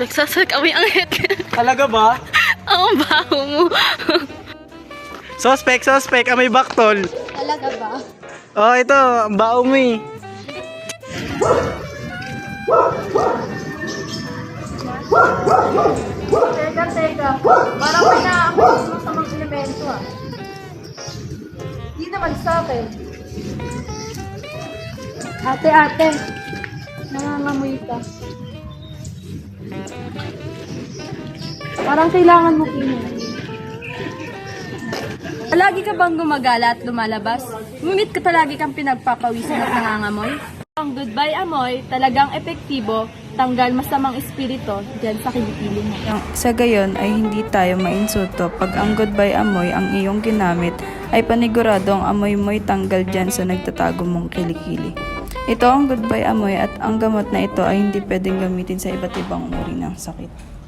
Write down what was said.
Nagsasak kami ang hit. Talaga ba? Ang baho mo. Suspect, amoy baktol. Talaga ba? Oh, ito, ang bao mo eh. Teka. Parang may naamoy mo sa mga elemento ah. Hindi naman sa akin. Ate. Nangangamoy ka. Parang kailangan mo kinuha. Lagi ka bang gumagala at lumalabas? Ngunit ka lagi kang pinagpapawisan at nangangamoy? Ang goodbye amoy talagang epektibo, tanggal masamang espiritu dyan sa kilikili mo. Sa gayon ay hindi tayo mainsulto pag ang goodbye amoy ang iyong ginamit ay panigurado ang amoy mo'y tanggal dyan sa nagtatago mong kilikili. Ito ang goodbye amoy at ang gamot na ito ay hindi pwedeng gamitin sa iba't ibang uri ng sakit.